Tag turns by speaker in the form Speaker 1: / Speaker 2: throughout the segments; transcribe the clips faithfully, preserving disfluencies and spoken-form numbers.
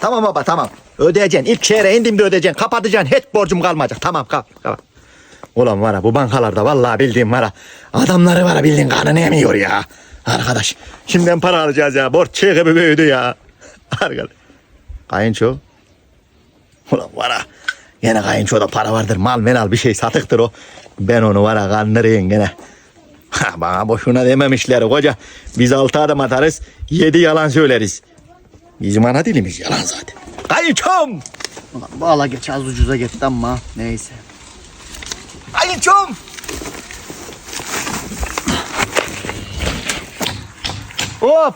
Speaker 1: tamam baba tamam. Ödeyeceksin. İlk çeyreğe indiğimde ödeyeceksin. Kapatacaksın. Hiç borcum kalmayacak. Tamam kap. kap. Ulan var ha bu bankalarda vallahi bildiğim var ha. Adamları var ha bildiğin kanını emiyor ya. Arkadaş şimdiden para alacağız ya. Borç çığ gibi büyüdü ya. Arkadaş. Kayınço. Ulan var ha. Yine kayınçoda para vardır. Mal menal bir şey satıktır o. Ben onu var ha kandırayım gene. Ha, bana boşuna dememişler koca. Biz altı adım atarız. Yedi yalan söyleriz. Bizim ana dilimiz yalan zaten. Kayınçom.
Speaker 2: Ulan bu ala geç az ucuza gitti ama neyse.
Speaker 1: Kayınçom. Hop.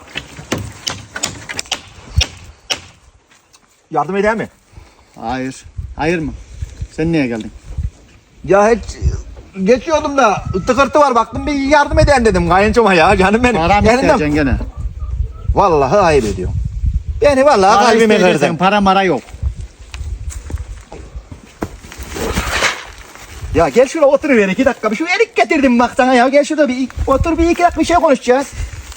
Speaker 1: Yardım eder mi?
Speaker 2: Hayır. Hayır mı? Sen niye geldin?
Speaker 1: Ya hiç geçiyordum da tıkırtı var baktım bir yardım eden dedim kayınçoma ya canım benim.
Speaker 2: Para mı isteyeceksin gene?
Speaker 1: Vallahi ayıp ediyorum. Beni vallahi
Speaker 2: Para
Speaker 1: kalbime
Speaker 2: isteyeceksin,
Speaker 1: kırdın.
Speaker 2: para mara yok.
Speaker 1: Ya gel şuraya oturuver iki dakika. Bir şu erik getirdim bak sana ya. Gel şurada bir otur bir iki dakika bir şey konuşacağız.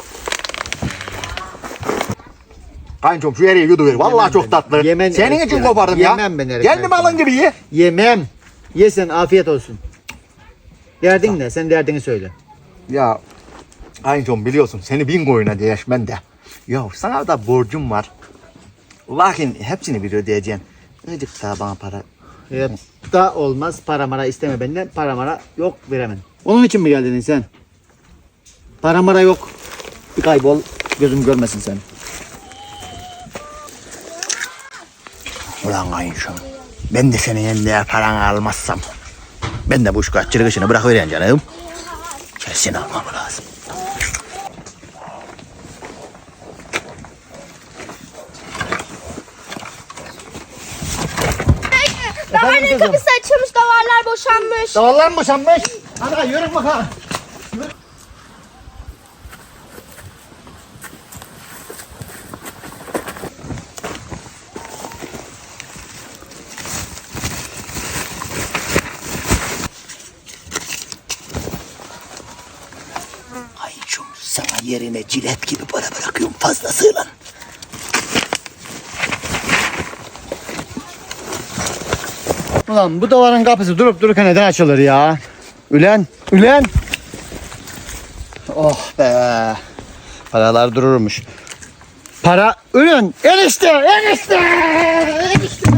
Speaker 1: Kayınçom şu eriği yuduver. Vallahi
Speaker 2: Yemem
Speaker 1: çok
Speaker 2: ben.
Speaker 1: tatlı.
Speaker 2: Yemen
Speaker 1: Senin
Speaker 2: erik
Speaker 1: için
Speaker 2: ya.
Speaker 1: kopardım ya.
Speaker 2: Yemem ben erik
Speaker 1: Kendim
Speaker 2: ben.
Speaker 1: alın gibi ye.
Speaker 2: Yemem. Yesen afiyet olsun. Derdin ne? Sen derdini söyle.
Speaker 1: Ya kayınçom biliyorsun seni bin koyuna değişmen de. Ya sana da borcum var. Lakin hepsini bir ödeyeceksin. Azıcık daha bana para.
Speaker 2: Hep da olmaz. Para mara isteme benden. Para mara yok, veremem. Onun için mi geldin sen? Para mara yok. Bir kaybol. Gözüm görmesin seni.
Speaker 1: Ulan kayınçom. Ben de senin elinde paranı almazsam. Ben de bu şu kaççılık işini bırakıvereyim canım. Kesin almam lazım.
Speaker 3: Davarların kapısı açılmış, davarlar boşanmış.
Speaker 2: Davallar mı boşanmış? Hadi yürü bakalım.
Speaker 1: Kayınçom sana yerine cilet gibi para bırakıyorum fazlasıyla.
Speaker 2: Ulan bu davarın kapısı durup dururken neden açılır ya? Ülen, ülen. Oh be. Paralar dururmuş. Para, ürün, enişte, enişte, enişte.